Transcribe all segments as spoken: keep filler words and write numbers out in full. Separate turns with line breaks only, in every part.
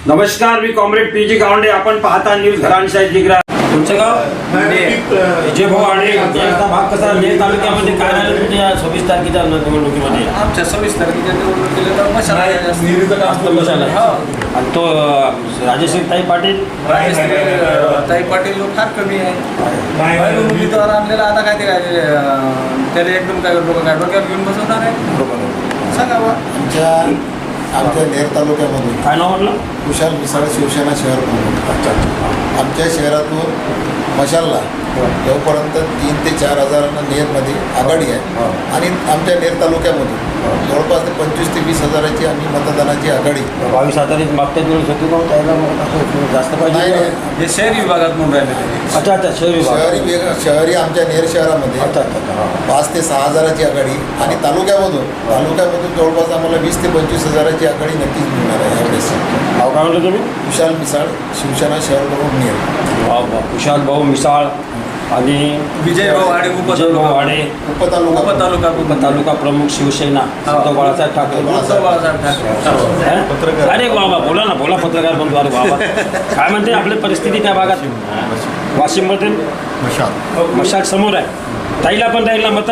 नमस्कार, मी comrade P G Gawande. आपण पाहता न्यूज घराणेशाही जिग्रा. तुमचं गाव विजय भाऊ आणि याचा भाग कसा नेर तालुक्यामध्ये काय राहिलं तुमच्या सव्वीस तारखेच्या निवडणुकीमध्ये?
आमच्या सव्वीस तारखेच्या निवडणुकीला मशाल
आणि तो राजेश्री ताई पाटील
ताई पाटील फार कमी आहे. उमेदवार आणलेला आता काय ते काय त्याला एकदम काय लोक काय डोक्यावर घेऊन बसवणार आहे सांगा बा.
आमच्या आमच्या नेर तालुक्यामधून
काय नाव म्हटलं?
कुशाल मिसाळ शिवसेना शहर प्रमुख. आमच्या शहरातून मशालला जोपर्यंत तीन ते चार हजारांना नेरमध्ये आघाडी आहे आणि आमच्या नेर तालुक्यामधून जवळपास ते पंचवीस ते वीस हजाराची आम्ही मतदानाची आघाडी
बावीस हजारी मागच्या दिवस होती का त्याला जास्त
नाही
पाहिजे?
नाही.
हे शहरी विभागात म्हणून राहिले
अच्छा अच्छा शहरी विभाग.
शहरी वेग शहरी आमच्या नेर शहरामध्ये
अच्छा अच्छा
पाच ते सहा हजाराची आघाडी आणि तालुक्यामधून तालुक्यामधून जवळपास आम्हाला वीस ते पंचवीस हजाराची आघाडी नक्कीच मिळणार आहे यावेळेस.
नाव काय म्हटलं तुम्ही?
कुशाल मिसाळ शिवसेना शहर प्रमुख नेर.
वा वा. कुशाल भाऊ मिसाळ आणि
विजय भाऊ आडे
विजय भाऊ आडे
उपतालुका
उपतालुका
तालुका प्रमुख शिवसेना उद्धव बाळासाहेब ठाकरे.
उद्धव बाळासाहेब ठाकरे.
हा? अरे बाबा बोला ना, बोला पत्रकार बंधू. अरे बाबा काय म्हणते आपली परिस्थिती त्या भागात? वाशिममध्ये
मशाल
मशाल समोर आहे. ताईला पण राहील ना मत?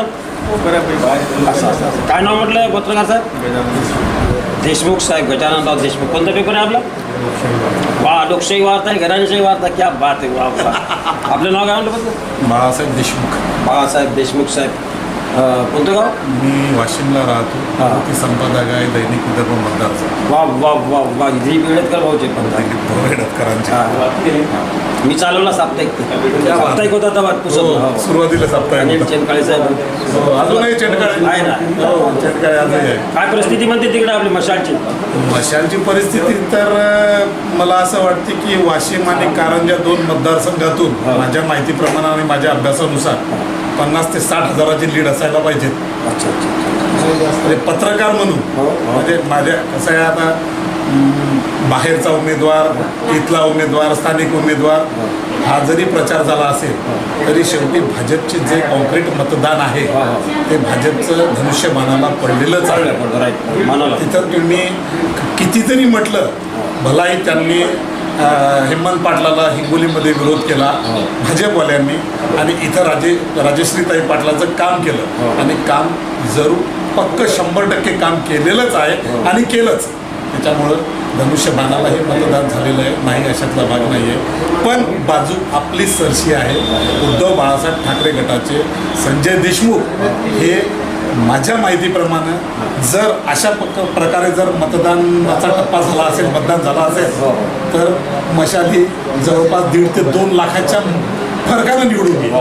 असं असं काय नाव म्हटलं पत्रकार साहेब? देशमुख साहेब, गजाननराव देशमुख. कोणता पेपर आहे आपला? वा, लोकशाही वार्ता आहे, घराणेशाही वार्ता. क्या बात आहे. वा वा. आपलं नाव काय म्हटलं फक्त?
बाळासाहेब देशमुख.
बाळासाहेब देशमुख साहेब. अं, कोणतं गाव?
मी वाशिमला राहतो.
हा.
ती संपादक आहे दैनिक विदर्भ मतदारचा.
वा वा वा वा. ही वेळेत भाऊचे पण
भोरेडकरांची.
मी चालवला साप्ताहिक. साप्ताहिक होता तेव्हा पुसत.
सुरुवातीला साप्ताहिक
अनिल
होता.
चेनकाळे साहेब.
अजूनही चेटकाळे
आहे ना.
हो, चेटकाळे आजही आहे.
काय परिस्थिती म्हणते तिकडे आपली मशालची?
मशालची परिस्थिती तर अं, मला असं वाटते की वाशिम आणि कारंजा दोन मतदारसंघातून
हा.
माझ्या माहितीप्रमाणे आणि माझ्या अभ्यासानुसार पन्नास ते साठ हजाराची लीड असायला पाहिजेत.
अच्छा अच्छा.
म्हणजे पत्रकार म्हणून
हो, हो.
म्हणजे माझ्या कसं आहे आता अं, बाहेरचा उमेदवार, इथला उमेदवार, स्थानिक उमेदवार हा जरी प्रचार झाला असेल तरी शेवटी भाजपचे जे कॉन्क्रीट मतदान आहे
हा, हा.
ते भाजपचं धनुष्यबाणाला पडलेलंच आहे.
राईट. मानवला.
तिथं तुम्ही किती जरी म्हटलं भलाही त्यांनी अं, हेमंत पाटलाला हिंगोलीमध्ये विरोध केला भाजपवाल्यांनी आणि इथं राजे राजेश्रीताई पाटलाचं काम केलं आणि काम जरूर पक्क शंभर टक्के काम केलेलंच आहे आणि केलंच. त्याच्यामुळं धनुष्यबाणाला हे मतदान झालेलं आहे, नाही अशातला भाग नाही आहे. पण बाजू आपली सरशी आहे. उद्धव बाळासाहेब ठाकरे गटाचे संजय देशमुख हे माझ्या माहितीप्रमाणे जर अशा पक प्रकारे जर मतदानाचा टप्पा झाला असेल, मतदान झाला असेल तर मशाल ही जवळपास दीड ते दोन लाखाच्या फरकानं निवडून येईल.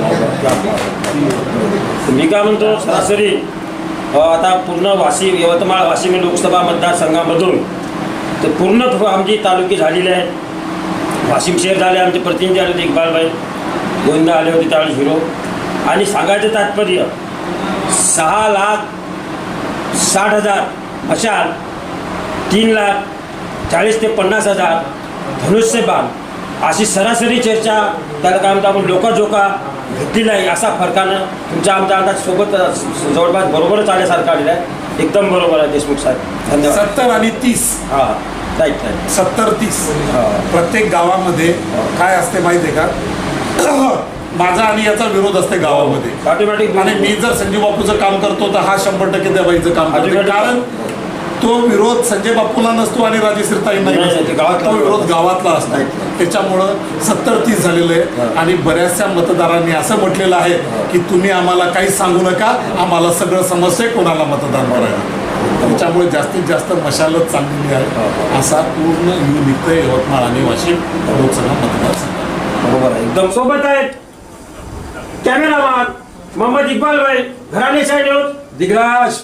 मी काय म्हणतो सरासरी अ, आता पूर्ण वाशिम यवतमाळ वाशिम लोकसभा मतदारसंघामधून तर पूर्ण आमची तालुके झालेले आहेत. वाशिम शहर झाले, आमचे प्रतिनिधी आले होते इक्बालभाई गोविंदा आले होते त्यावेळेस हिरो. आणि सांगायचं तात्पर्य सहा लाख साठ हजार मशाल, तीन लाख चाळीस ते पन्नास हजार धनुष्यबाण अशी सरासरी चर्चा त्याला काय म्हणतो आपण लोकाजोका घेतलेला आहे. असा फरकानं तुमच्या आमच्या अंदाज सोबत जवळपास बरोबरच आल्यासारखं आलेलं आहे. एकदम बरोबर आहे देशमुख साहेब. धन्यवाद.
सत्तर आणि तीस
हां राईट राईट.
सत्तर तीस
हा.
प्रत्येक गावामध्ये काय असते माहिती आहे का? माझा आणि याचा विरोध असते गावामध्ये.
ऑटोमॅटिक.
आणि मी जर संजय बापूचं काम करतो तर हा शंभर टक्के त्या बाईचं काम करतो.
Automatic.
कारण तो विरोध संजय बापूला नसतो आणि राजेश्रीताईंना
नाही, नाही, ते गावातला
तो विरोध गावातला असतो. त्याच्यामुळं सत्तर तीस झालेलं आहे. आणि बऱ्याचशा मतदारांनी असं म्हटलेलं आहे की तुम्ही आम्हाला काहीच सांगू नका, आम्हाला सगळं समजतंय कोणाला मतदान करायला. त्याच्यामुळे जास्तीत जास्त मशालच चाललेली आहे. असा पूर्ण यू निघतंय यवतमाळ आणि वाशिम लोकसभा मतदारसंघ.
बरोबर आहे. एकदम सोबत आहेत कॅमेरामॅन मोहम्मद इक्बाल भाई, घराणेशाही न्यूज दिग्राज.